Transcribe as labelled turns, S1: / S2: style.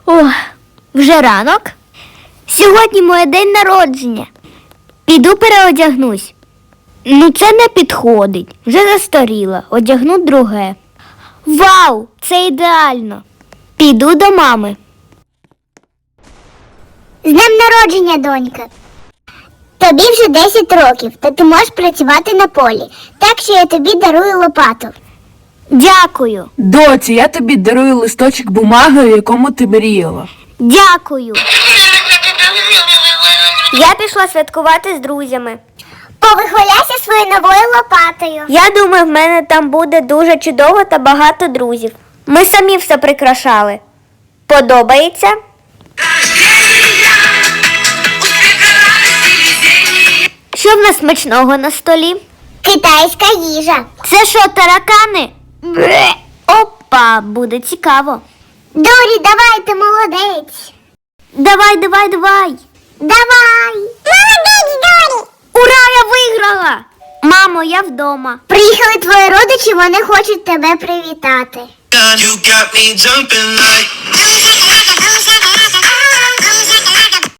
S1: Ох, вже ранок? Сьогодні моє день народження. Піду переодягнусь. Ну це не підходить. Вже застаріла. Одягну друге. Вау, це ідеально. Піду до мами.
S2: З днем народження, донька. Тобі вже 10 років, та ти можеш працювати на полі. Так що я тобі дарую лопату.
S1: Дякую.
S3: Доці, я тобі дарую листочок бумаги, у якому ти мріяла.
S1: Дякую. Я пішла святкувати з друзями.
S2: Повихваляйся своєю новою лопатою.
S1: Я думаю, в мене там буде дуже чудово та багато друзів. Ми самі все прикрашали. Подобається? Що в нас смачного на столі?
S2: Китайська їжа.
S1: Це що, таракани? Бре. Опа, буде цікаво.
S2: Дорі, давай, ти молодець.
S1: Давай.
S2: Давай. Молодець, Дорі.
S1: Ура, я виграла! Мамо, я вдома.
S2: Приїхали твої родичі, вони хочуть тебе привітати.
S4: You got me jumping like